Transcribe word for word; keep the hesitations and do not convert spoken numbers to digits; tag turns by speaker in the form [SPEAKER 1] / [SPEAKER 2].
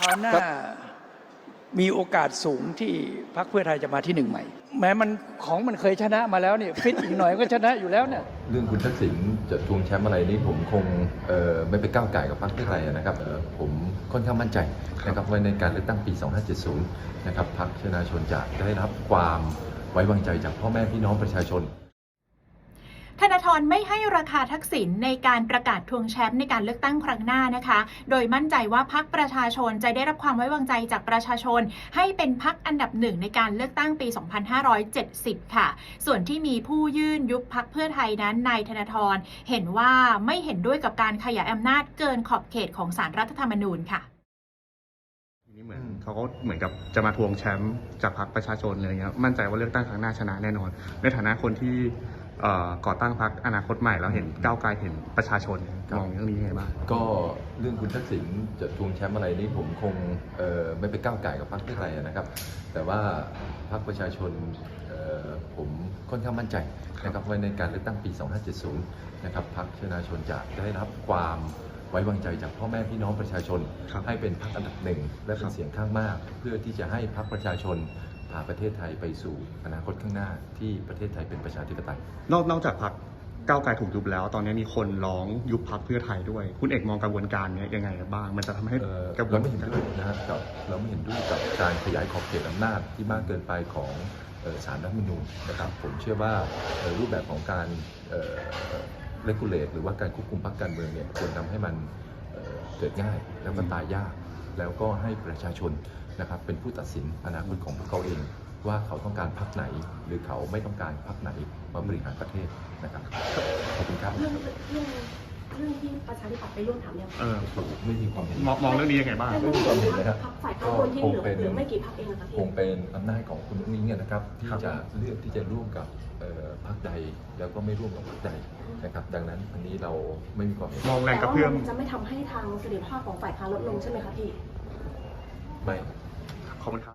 [SPEAKER 1] ราวหน้ามีโอกาสสูงที่พรรคเพื่อไทยจะมาที่หนึ่งใหม่แม้มันของมันเคยชนะมาแล้วเนี่ยฟิตอีกหน่อยก็ชนะอยู่แล้วเนี่ย
[SPEAKER 2] เรื่องคุณทักษิณจะทวงแชมป์อะไรนี่ผมคงเอ่อไม่ไปก้าวไก่กับพรรคเพื่อไทยนะครับเอ่อผมค่อนข้างมั่นใจนะครับว่าในการเลือกตั้งปีสองพันห้าร้อยเจ็ดสิบนะครับพรรคชนาชนจะได้รับความไว้วางใจจากพ่อแม่พี่น้องประชาชน
[SPEAKER 3] ธนาธรไม่ให้ราคาทักษิณในการประกาศทวงแชมป์ในการเลือกตั้งครั้งหน้านะคะโดยมั่นใจว่าพรรคประชาชนจะได้รับความไว้วางใจจากประชาชนให้เป็นพรรคอันดับหนึ่งในการเลือกตั้งปี สองพันห้าร้อยเจ็ดสิบ ค่ะส่วนที่มีผู้ยื่นยุบพรรคเพื่อไทยนั้นนายธนาธรเห็นว่าไม่เห็นด้วยกับการขยายอำนาจเกินขอบเขตของศาลรัฐธรรมนูญค่ะ
[SPEAKER 4] นี่เหมือนเขาก็เหมือนกับจะมาทวงแชมป์จากพรรคประชาชนอะไรเงี้ยมั่นใจว่าเลือกตั้งครั้งหน้าชนะแน่นอนในฐานะคนที่ก่อตั้งพรรคอนาคตใหม่แล้วเห็นก้าวไกลเห็นประชาชนมองเรื่องนี้ยังไงบ้าง
[SPEAKER 2] ก็เรื่องคุณทักษิณจะทวงแชมป์อะไรนี่ผมคงเอ่อไม่ไปก้าวไก่กับพรรคเพื่อไทยนะครับแต่ว่าพรรคประชาชนเอ่อผมค่อนข้างมั่นใจนะครับว่าในการเลือกตั้งปีสองพันห้าร้อยเจ็ดสิบนะครับพรรคชนาชนจะได้รับความไว้วางใจจากพ่อแม่พี่น้องประชาชนให้เป็นพรรคอันดับหนึ่งและเป็นเสียงข้างมากเพื่อที่จะให้พรรคประชาชนพาประเทศไทยไปสู่อนาคตข้างหน้าที่ประเทศไทยเป็นประชาธิปไตย
[SPEAKER 4] นอกนอกจากพรรคก้าวไกลถูกยุบแล้วตอนนี้มีคนร้องยุบพรรคเพื่อไทยด้วยคุณเอกมองกระบวนการนี้ยังไงบ้างมันจะทำให้
[SPEAKER 2] กระบวนการเราไม่เห็นด้วยนะครับเราไม่เห็นด้วยกับการขยายขอบเขตอำนาจที่มากเกินไปของศาลรัฐธรรมนูญนะครับผมเชื่อว่ารูปแบบของการเลกูเลตหรือว่าการควบคุมพรรคการเมืองเนี่ยควรทำให้มันเกิดง่ายแล้วก็ตายยากแล้วก็ให้ประชาชนนะครับเป็นผู้ตัดสินอนาคตของพวกเขาเองว่าเขาต้องการพรรคไหนหรือเขาไม่ต้องการพรรคไหนมาบริหารประเทศนะครับขอบคุณครับ
[SPEAKER 5] เรื่องเรื่องเรื่องที่ประชาธิปัตย์ไปร่วมถามเนี่ย
[SPEAKER 2] ไม่มีความเห็น
[SPEAKER 4] มองมองเรื่องนี้ยังไงบ้าง
[SPEAKER 2] ไม่มีความเห็นนะครับ
[SPEAKER 5] พรรคฝ่ายค้านคนที่เหลือเหลือไม่กี่พรรคเองนะครับ
[SPEAKER 2] คงเป็นอำนาจของคุณนุ้งอิงนะครับที่จะเลือกที่จะร่วมกับพรรคใดแล้วก็ไม่ร่วมกับพรรคใดนะครับดังนั้นอันนี้เราไม่มีความเห็น
[SPEAKER 4] มองแรงกระเพื่อม
[SPEAKER 5] จะไม่ทำให้ทางเสถียรภาพของฝ่ายค้านลดลงใช่ไหมคะพี่
[SPEAKER 2] ไม่
[SPEAKER 4] ขอบคุณครับ